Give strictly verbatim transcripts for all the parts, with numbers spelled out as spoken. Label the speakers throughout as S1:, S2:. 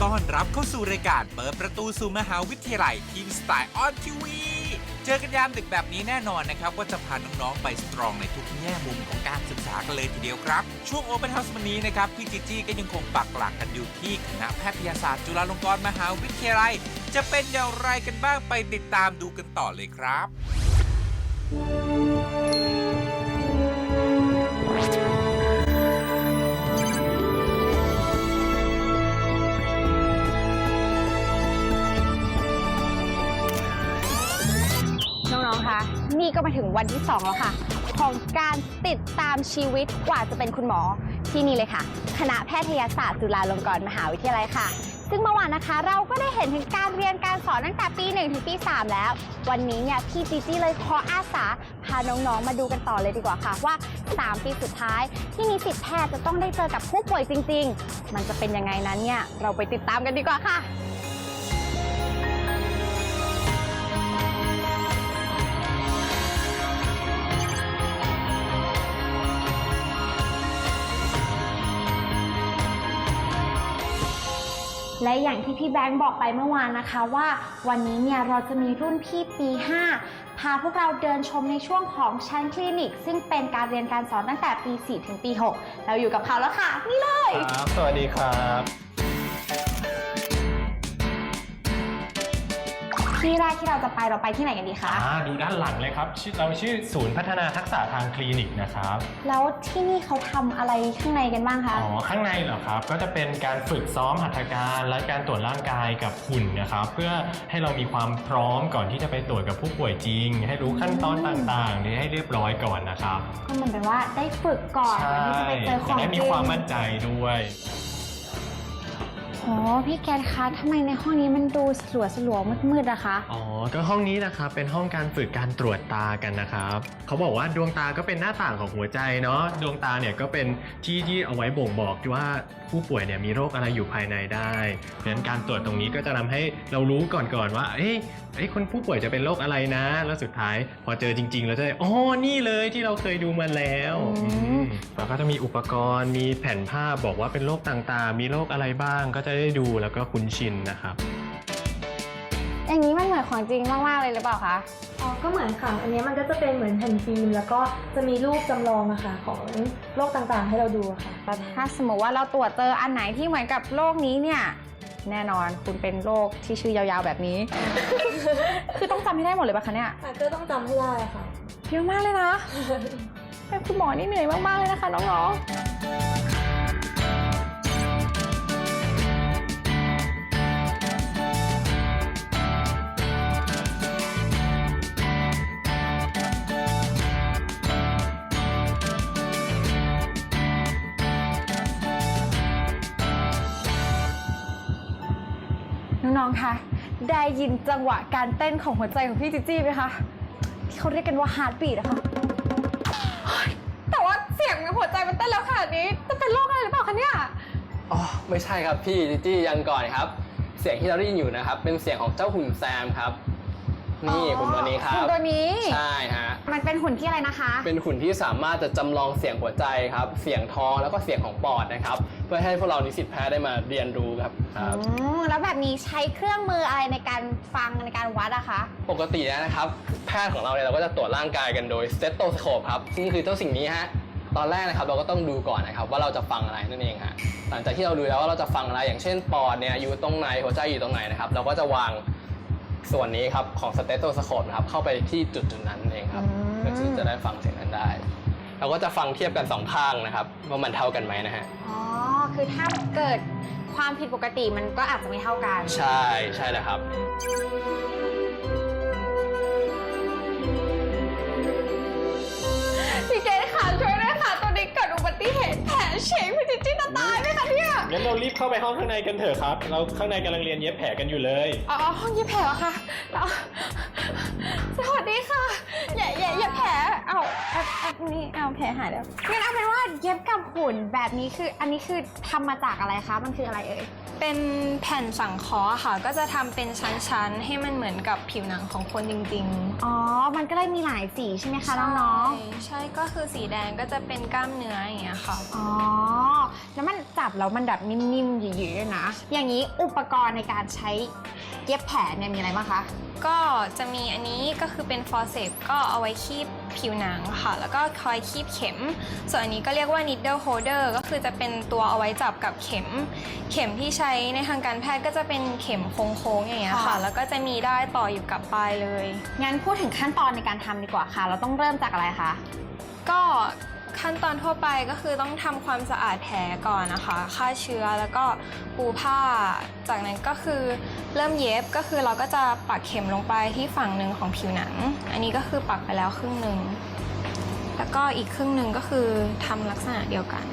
S1: ต้อนรับเข้าสู่รายการเปิดประตูสู่มหาวิทยาลัยทีมสไตล์ออนทีวีเจอกันยามดึกแบบนี้แน่นอนนะครับว่าจะพาน้องๆไปสตรองในทุกแง่มุมของการศึกษากันเลยทีเดียวครับช่วง Open House วันนี้นะครับพี่จีจี้ก็ยังคงปักหลักกันอยู่ที่คณะแพทยศาสตร์จุฬาลงกรณ์มหาวิทยาลัยจะเป็นอย่างไรกันบ้างไปติดตามดูกันต่อเลยครับ
S2: น้องๆ คะ นี่ก็มาถึงวันที่สองแล้วค่ะของการติดตามชีวิตกว่าจะเป็นคุณหมอที่นี่เลยค่ะคณะแพทยศาสตร์จุฬาลงกรณ์มหาวิทยาลัยค่ะซึ่งเมื่อวานนะคะเราก็ได้เห็นถึงการเรียนการสอนตั้งแต่ปีหนึ่งถึงปีสามแล้ววันนี้เนี่ยพี่จีจี้เลยขออาสาพาน้องๆมาดูกันต่อเลยดีกว่าค่ะว่าสามปีสุดท้ายที่นิสิตแพทย์จะต้องได้เจอกับผู้ป่วยจริงๆมันจะเป็นยังไงนั้นเนี่ยเราไปติดตามกันดีกว่าค่ะและอย่างที่พี่แบงค์บอกไปเมื่อวานนะคะว่าวันนี้เนี่ยเราจะมีรุ่นพี่ปีห้าพาพวกเราเดินชมในช่วงของชั้นคลินิกซึ่งเป็นการเรียนการสอนตั้งแต่ปีสี่ถึงปีหกเราอยู่กับเขาแล้วค่ะนี่เลย
S3: ครับสวัสดีครับ
S2: ที่แรกที่เราจะไปเราไปที่ไหนกันดีคะ
S3: อ่าดูด้านหลังเลยครับเราชื่อศูนย์พัฒนาทักษะทางคลินิกนะครับ
S2: แล้วที่นี่เขาทำอะไรข้างในกันบ้างคะ
S3: อ๋อข้างในเหรอครับก็จะเป็นการฝึกซ้อมหัตถการและการตรวจร่างกายกับหุ่นนะครับเพื่อให้เรามีความพร้อมก่อนที่จะไปตรวจกับผู้ป่วยจริงให้รู้ขั้นตอนต่างๆนี่ให้เรียบร้อยก่อนนะครับ
S2: ก็เหมือนเป็นว่าได้ฝึกก่อนก่อนที่จะไปเจอของจริง
S3: จะได้มีความมั่นใจด้วย
S2: อ๋อพี่แกนคะทำไมในห้องนี้มันดูสลัวสลัวมืดๆอะคะ
S3: อ๋อก็ห้องนี้นะครับเป็นห้องการฝึกการตรวจตากันนะครับเขาบอกว่าดวงตาก็เป็นหน้าต่างของหัวใจเนาะดวงตาเนี่ยก็เป็นที่ที่เอาไว้บ่งบอกว่าผู้ป่วยเนี่ยมีโรคอะไรอยู่ภายในได้เพราะฉะนั้นการตรวจตรงนี้ก็จะทำให้เรารู้ก่อนๆว่าเอ้ยไอ้คนผู้ป่วยจะเป็นโรคอะไรนะแล้วสุดท้ายพอเจอจริงๆเราจะได้อ๋อนี่เลยที่เราเคยดูมาแล้วแล้วก็จะมีอุปกรณ์มีแผ่นภาพบอกว่าเป็นโรคต่างๆมีโรคอะไรบ้างก็จะได้ดูแล้วก็คุ้นชินนะครับ
S2: อย่างนี้มันเหมือนของจริงมากๆเลยหรือเปล่าคะ
S4: อ๋อก็เหมือนค่ะอันนี้มันก็จะเป็นเหมือนแผ่นฟิล์มแล้วก็จะมีรูปจำลองอะค่ะของโรคต่างๆให้เราดูค่ะ
S2: ถ้าสมมติว่าเราตรวจเจออันไหนที่เหมือนกับโรคนี้เนี่ยแน่นอนคุณเป็นโรคที่ชื่อยาวๆแบบนี้ คือต้องจำให้ได้หมดเลยป่ะคะเนี่ย
S4: ก็ต้องจำให้ได้ค่ะ
S2: เยอะมากเลยนะ เป็นคุณหมอนี่เหนื่อยมากๆเลยนะคะน้องๆน้องๆ คะ ได้ยินจังหวะการเต้นของหัวใจของพี่จิจี้ไหมคะที่เขาเรียกกันว่าฮาร์ทบีทนะคะแต่ว่าเสียงในหัวใจมันเต้นแล้วขนาดนี้จะเป็นโรคอะไรหรือเปล่าคะเนี่ย
S5: อ๋อไม่ใช่ครับพี่จิจี้ยังก่อนครับเสียงที่เราได้ยินอยู่นะครับเป็นเสียงของเจ้าหุ่นแซมครับนี่หุ่นตัวนี้ครับ
S2: หุ่นตัวนี้
S5: ใช่ฮะ
S2: มันเป็นหุ่นที่อะไรนะคะ
S5: เป็นหุ่นที่สามารถจะจำลองเสียงหัวใจครับเสียงท้องแล้วก็เสียงของปอดนะครับเพื่อให้พวกเรานิสิตแพทย์ได้มาเรียนรู้ครับครับ
S2: แล้วแบบนี้ใช้เครื่องมืออะไรในการฟังในการวัดอะคะ
S5: ปกตินะครับแพทย์ของเราเนี่ยเราก็จะตรวจร่างกายกันโดยสเตโตสโคปครับซึ่งคือเจ้าสิ่งนี้ฮะตอนแรกนะครับเราก็ต้องดูก่อนนะครับว่าเราจะฟังอะไรนั่นเองฮะหลังจากที่เราดูแล้วว่าเราจะฟังอะไรอย่างเช่นปอดเนี่ยอยู่ตรงไหนหัวใจอยู่ตรงไหนนะครับเราก็จะวางส่วนนี้ครับของสเตโตสโคปนะครับเข้าไปที่จุดจุดนั้นเองครับเพื่อที่จะได้ฟังเสียงนั้นได้เราก็จะฟังเทียบกันสองข้างนะครับว่ามันเท่ากันไหมนะฮะ
S2: อ๋อคือถ้าเกิดความผิดปกติมันก็อาจจะไม่เท่ากัน
S5: ใช่ใช่แล้วครับ
S2: พี่เกดค่ะช่วยด้วยค่ะตอนนี้เกิดอุบัติเหตุแผลเฉยพี่จิจี้จะตายไหมคะเนี่ย
S3: งั้นเรารีบเข้าไปห้องข้างในกันเถอะครับเราข้างในกำลังเรียนเย็บแผลกันอยู่เลย
S2: อ๋อห้องเย็บแผลเหรอคะสวัสดีค่ะอย่าอย่าอย่าแผลเอาอันนี้เอาแผลหายแล้วงั้นเอาเป็นว่าเย็บกับหุ่นแบบนี้คืออันนี้คือทำมาจากอะไรคะมันคืออะไรเอ่ย
S6: เป็นแผ่นสังเคราะห์ค่ะก็จะทำเป็นชั้นๆให้มันเหมือนกับผิวหนังของคนจริงๆ
S2: อ๋อมันก็เลยมีหลายสีใช่ไหมคะน้อง
S6: ๆใช่ก็คือสีแดงก็จะเป็นกล้ามเนื้ออย่างเงี้ยค่ะ
S2: อ๋อแล้วมันจับจับแล้วมันแบบนิ่มๆหยืดๆด้วยนะอย่างนี้อุปกรณ์ในการใช้เย็บแผลเนี่ยมีอะไรบ้างคะ
S6: ก็จะมีอันนี้ก็คือเป็นฟอร์เซปก็เอาไว้คีบผิวหนังค่ะแล้วก็คอยคีบเข็มส่วนอันนี้ก็เรียกว่า needle holder ก็คือจะเป็นตัวเอาไว้จับกับเข็มเข็มที่ใช้ในทางการแพทย์ก็จะเป็นเข็มโค้งๆอย่างเงี้ยค่ะแล้วก็จะมีได้ายต่ออยู่กับปลายเลย
S2: งั้นพูดถึงขั้นตอนในการทำดีกว่าค่ะเราต้องเริ่มจากอะไรคะ
S6: ก็ขั้นตอนทั่วไปก็คือต้องทำความสะอาดแผลก่อนนะคะฆ่าเชื้อแล้วก็ปูผ้าจากนั้นก็คือเริ่มเย็บก็คือเราก็จะปักเข็มลงไปที่ฝั่งหนึ่งของผิวหนังอันนี้ก็คือปักไปแล้วครึ่งหนึ่งแล้วก็อีกครึ่งหนึ่งก็คือทำลักษณะเดียวกัน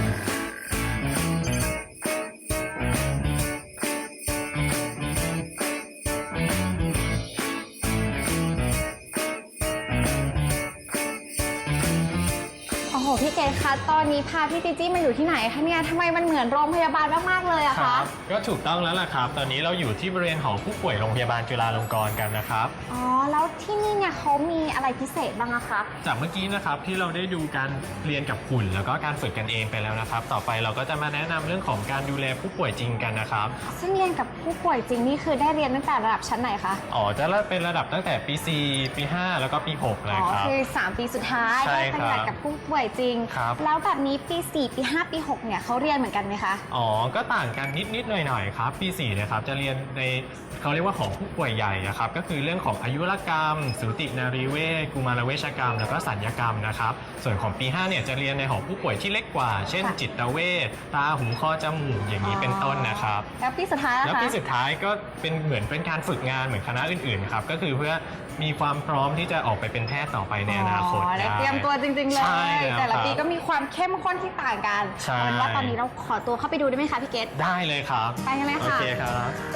S2: พี่เกดคะตอนนี้พาพี่จีจี้มาอยู่ที่ไหนคะเนี่ยทำไมมันเหมือนโรงพยาบาลมากๆเลยอะ
S3: ค
S2: คะ
S3: รับก็ถูกต้องแล้วล่ะครับตอนนี้เราอยู่ที่บริเวณหอผู้ป่วยโรงพยาบาลจุฬาลงกรณ์กันนะครับ
S2: อ๋อแล้วที่นี่เนี่ยเขามีอะไรพิเศษบ้างอะคะ
S3: จากเมื่อกี้นะครับที่เราได้ดูการเรียนกับหุ่นแล้วก็การฝึกกันเองไปแล้วนะครับต่อไปเราก็จะมาแนะนำเรื่องของการดูแลผู้ป่วยจริงกันนะครับ
S2: ซึ่งเรียนกับผู้ป่วยจริงนี่คือได้เรียนตั้งแต่ระดับชั้นไหนคะ
S3: อ๋อจะเป็นระดับตั้งแต่ปี สี่ ปี ห้า แล้วก็ปี หกเลย
S2: อ๋อ
S3: ครับ
S2: คือสามปีสุดท้าย
S3: ใช่
S2: ได้ปฏิบัติกับผู้ป่วยจริง
S3: ครับ
S2: แล้วแบบนี้ปีสี่ปีห้าปีหกเนี่ยเขาเรียนเหมือนกันไหมคะ
S3: อ๋อก็ต่างกันนิดๆหน่อยๆครับปีสี่นะครับจะเรียนในเขาเรียกว่าของผู้ป่วยใหญ่นะครับก็คือเรื่องของอายุรกรรมสูตินารีเวชกุมารเวชกรรมแล้วก็สัญญกรรมนะครับส่วนของปีห้าเนี่ยจะเรียนในหอผู้ป่วยที่เล็กกว่า เช่น จิตเวชตาหูคอจมูกอย่างนี้เป็นต้นนะครับ
S2: แล้วปีสุดท้ายล่ะคะ
S3: แล้วปีสุดท้ายก็เป็นเหมือนเป็นการฝึกงานเหมือนคณะอื่นๆครับก็คือเพื่อมีความพร้อมที่จะออกไปเป็นแพทย์ต่อไปในอนาคต
S2: อ๋อได้เตรียมตัวจริงๆเล
S3: ใช่
S2: ย
S3: แล้ว
S2: แต่ละ
S3: ครับ
S2: ปีก็มีความเข้มข้นที่ต่างกัน
S3: ใช่
S2: เอาเป็นว่าตอนนี้เราขอตัวเข้าไปดูได้ไหมคะพี่เกด
S3: ได้เลยครับ
S2: ไปกันเลย
S3: โอ
S2: ค่ะ
S3: เคครับ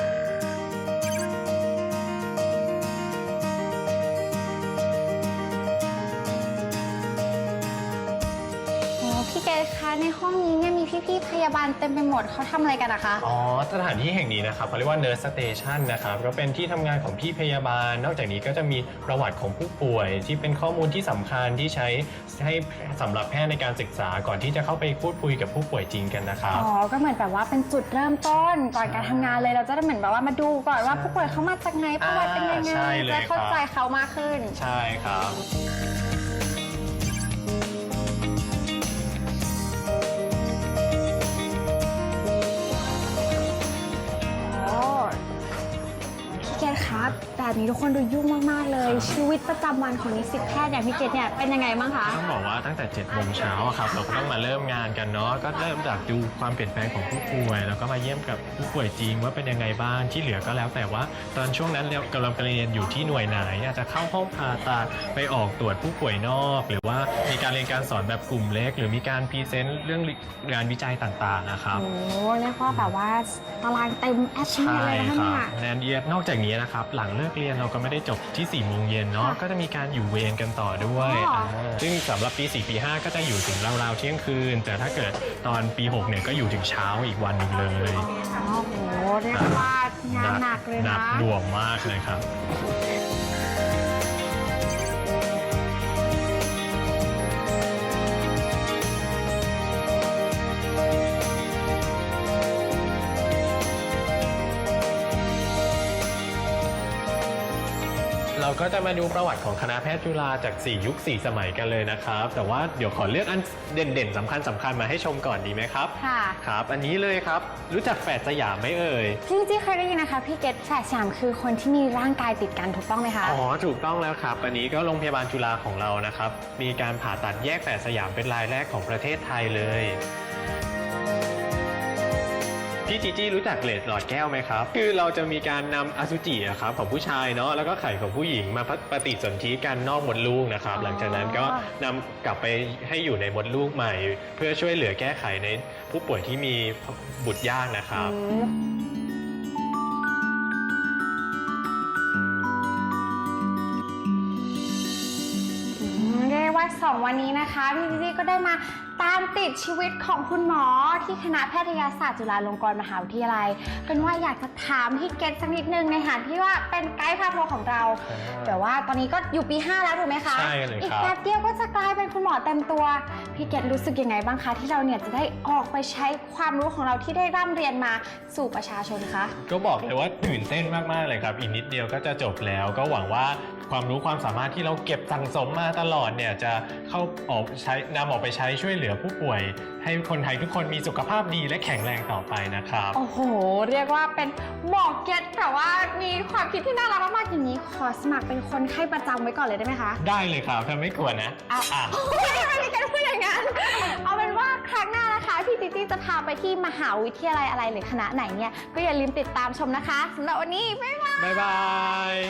S2: พี่เกดคะในห้องนี้เนี่ยมีพี่ๆพยาบาลเต็มไปหมดเขาทำอะไรกันนะคะ
S3: อ๋อสถานที่แห่งนี้นะครับเขาเรียกว่า Nurse Station นะครับก็เป็นที่ทำงานของพี่พยาบาล นอกจากนี้ก็จะมีประวัติของผู้ป่วย ที่เป็นข้อมูลที่สำคัญที่ใช้ให้สำหรับแพทย์ในการศึกษาก่อนที่จะเข้าไปพูดคุยกับผู้ป่วยจริงกันนะครับ
S2: อ๋อ ก็เหมือนแบบว่าเป็นจุดเริ่มต้นก่อนการทำงานเลยเราจะได้เหมือนแบบว่ามาดูก่อนว่าผู้ป่วยเขามาจากไหนประวัติเป็นยังไง
S3: ใช่เลย
S2: จะเข้า
S3: ครับ
S2: ใจเขามากขึ้น
S3: ใช่ครับ
S2: โอ้พี่เกดครับแบบนี้ทุกคนดูยุ่งมากๆเลย ชีวิตประจำวันของนิสิตแพทย์อย่างพี่เกดเนี่ยเป็นยังไงบ้างคะ
S3: ต้องบอกว่าตั้งแต่เจ็ดโมงเช้าอะครับเราก็ต้องมาเริ่มงานกันเนาะก็เริ่มจากดูความเปลี่ยนแปลงของผู้ป่วย แล้วก็มาเยี่ยมกับผู้ป่วยจริงว่าเป็นยังไงบ้างที่เหลือก็แล้วแต่ว่าตอนช่วงนั้นเรากำลังเรียนอยู่ที่หน่วยไหนอาจจะเข้าห้องผ่าตัดไปออกตรวจผู้ป่วยนอก หรือว่ามีการเรียนการสอนแบบกลุ่มเล็ก หรือมีการพรีเซนต์เรื่องงานวิจัยต่างๆนะครับ
S2: โอ้เรียกว่าแบบว่าตารางเต็มแอป
S3: ใช่
S2: เลยนะคะ
S3: ครับ
S2: เนี่ย
S3: แนนเอียดนอกจากนี้นะครับหลังเลิกเรียนเราก็ไม่ได้จบที่สี่โมงเย็นเนาะ
S2: ค่ะ
S3: ก็จะมีการอยู่เวรกันต่อด้วย
S2: อ๋ออ่
S3: าซึ่งสำหรับปี สี่ ปี ห้า ก็จะอยู่ถึงราวๆเที่ยงคืน แต่ถ้าเกิดตอนปี หก เนี่ยก็อยู่ถึงเช้าอีกวันหนึ่งเลย
S2: อ๋อโหเรียกว่างานหนักเลย
S3: หนั
S2: นะ
S3: กหน่วงมากเลยครับ เราก็จะมาดูประวัติของคณะแพทย์จุฬาจาก สี่ ยุค สี่ สมัยกันเลยนะครับ แต่ว่าเดี๋ยวขอเลือกอันเด่นๆสำคัญสำคัญมาให้ชมก่อนดีไหมครับ
S2: ค่ะ
S3: ครับ อันนี้เลยครับ รู้จักแฝดสยามไหมเอ่ย
S2: พี่จี้เคยได้ยินนะคะพี่เกดแฝดสยามคือคนที่มีร่างกายติดกันถูกต้องไหมคะ
S3: อ๋อ ถูกต้องแล้วครับ อันนี้ก็โรงพยาบาลจุฬาของเรานะครับ มีการผ่าตัดแยกแฝดสยามเป็นรายแรกของประเทศไทยเลย พี่จีจี้รู้จักเกล็ดหลอดแก้วไหมครับ คือเราจะมีการนำอสุจิอะครับของผู้ชายเนาะแล้วก็ไข่ของผู้หญิงมาปฏิสนธิกันนอกมดลูกนะครับ
S2: อ๋อ
S3: หลังจากนั้นก็นำกลับไปให้อยู่ในมดลูกใหม่ เพื่อช่วยเหลือแก้ไขในผู้ป่วยที่มีบุตรยากนะครับ
S2: อืมเรียกว่าสสองวันนี้นะคะพี่จีจี้ก็ได้มาตามติดชีวิตของคุณหมอที่คณะแพทยศาสตร์จุฬาลงกรณ์มหาวิทยาลัยเป็นว่าอยากจะถามพี่เกตสักนิดนึงในฐานที่ว่าเป็นไกด์พาทัวร์ของเราแต่ว่าตอนนี้ก็อยู่ปีห้าแล้วถูกไหมคะ
S3: ใช่เลยครับ
S2: อีกแป๊บเดียวก็จะกลายเป็นคุณหมอเต็มตัวพี่เกตรู้สึกยังไงบ้างคะที่เราเนี่ยจะได้ออกไปใช้ความรู้ของเราที่ได้ร่ำเรียนมาสู่ประชาชนคะ
S3: ก็บอกเลยว่าตื่นเต้นมากๆเลยครับอีกนิดเดียวก็จะจบแล้วก็หวังว่าความรู้ความสามารถที่เราเก็บสั่งสมมาตลอดเนี่ยจะเข้าออกใช้นำออกไปใช้ช่วยเหลือผู้ป่วยให้คนไทยทุกคนมีสุขภาพดีและแข็งแรงต่อไปนะครับ
S2: โอ้โหเรียกว่าเป็นหมอเก็ตแต่ว่ามีความคิดที่น่ารักมากๆอย่างนี้ขอสมัครเป็นคนไข้ประจำไว้ก่อนเลยได้ไหมคะ
S3: ได้เลยครับถ้าไม่กลัวนะ
S2: อ่ะ
S3: อ่ะ
S2: ไม่มีใครพูดอย่างนั้นเอาเป็นว่าครั้งหน้านะคะพี่จีจี้จะพาไปที่มหาวิทยาลัยอะไรหรือคณะไหนเนี่ยก็อย่าลืมติดตามชมนะคะสำหรับวันนี้บ๊ายบาย
S3: บ๊ายบาย